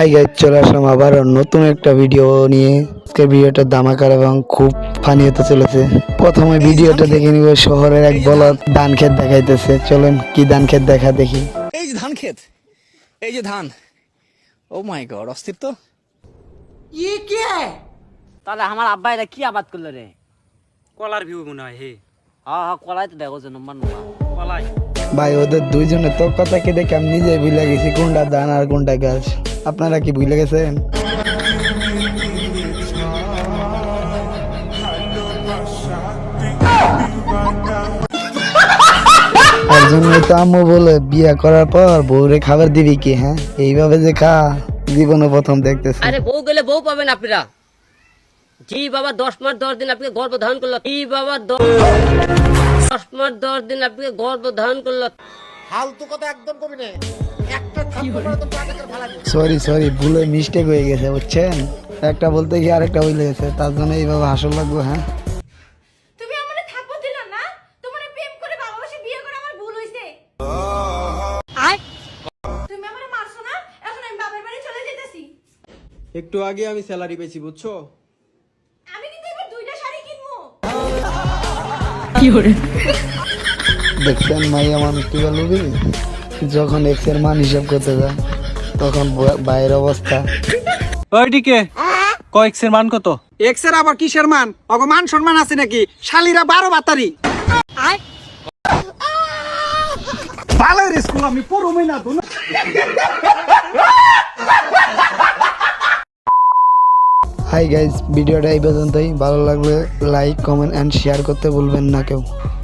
Hi guys, চলে আসলাম আবার নতুন একটা ভিডিও নিয়ে। আজকের ভিডিওটা ধামাকার এবং খুব ফানি হতে চলেছে। প্রথমে ভিডিওটা দেখে নিব, শহরের এক বলদ ধান ক্ষেত দেখাইতেছে। চলেন কি ধান ক্ষেত দেখা দেখি। এই যে ধান ক্ষেত, এই যে ধান। ও মাই গড, অস্থির তো। তাহলে আমার আব্বা এটা কি আবাদ করলো রে? কলার ভিউ মনে হয়। হে হ্যাঁ কলাই তো দেখো যে নম্বর নম্বর কলাই। ভাই ওদের দুইজনের তো কথা কি দেখে আমি নিজে ভুলে গেছি কোনটা ধান আর কোনটা গাছ। আপনারা কি ভুলে গেছেন? তার জন্যই তো আম্মু বলে বিয়ে করার পর বউরে খাবার দিবি কি? হ্যাঁ, এইভাবে যে খা, জীবনে প্রথম দেখতেছি। আরে বউ গেলে বউ পাবেন আপনারা। জি বাবা 10 মাস 10 দিন আপনাকে গর্ভ ধারণ করলো। জি বাবা 10 মাস 10 দিন আপনাকে গর্ভ ধারণ করলো। সরি ভুলে মিস্টেক হয়ে গেছে, বুঝছেন? একটা বলতে গিয়ে আরেকটা হয়ে গেছে, তার জন্য এইভাবে হাসল লাগবে। হ্যাঁ, তুমি আমারে থাপ্পড় দিলা না? তোমারে প্রেম করে ভালোবাসে বিয়ে করে আমার ভুল হইছে। তুমি আমারে মারছো না? এখন আমি বাবার বাড়ি চলে যেতেছি। একটু আগে আমি স্যালারি পেয়েছি, বুঝছো? আমি কিন্তু এবার 2টা শাড়ি কিনবো। দেখছেন মাইয়া মানুষ কি বলবি, যখন এক্স এর মান হিসাব করতে যায় তখন বাইরের অবস্থা। ওইদিকে কয়েক্স এর মান কত? এক্স এর আবার কিসের মান? অগো মান সম্মান আছে নাকি? শালিরা 12 বাতারি। ভালো রে স্কুল আমি পুরো মহিনা তো। হাই গাইস, ভিডিওটা এই পর্যন্তই। ভালো লাগলে লাইক, কমেন্ট এন্ড শেয়ার করতে ভুলবেন না কেউ।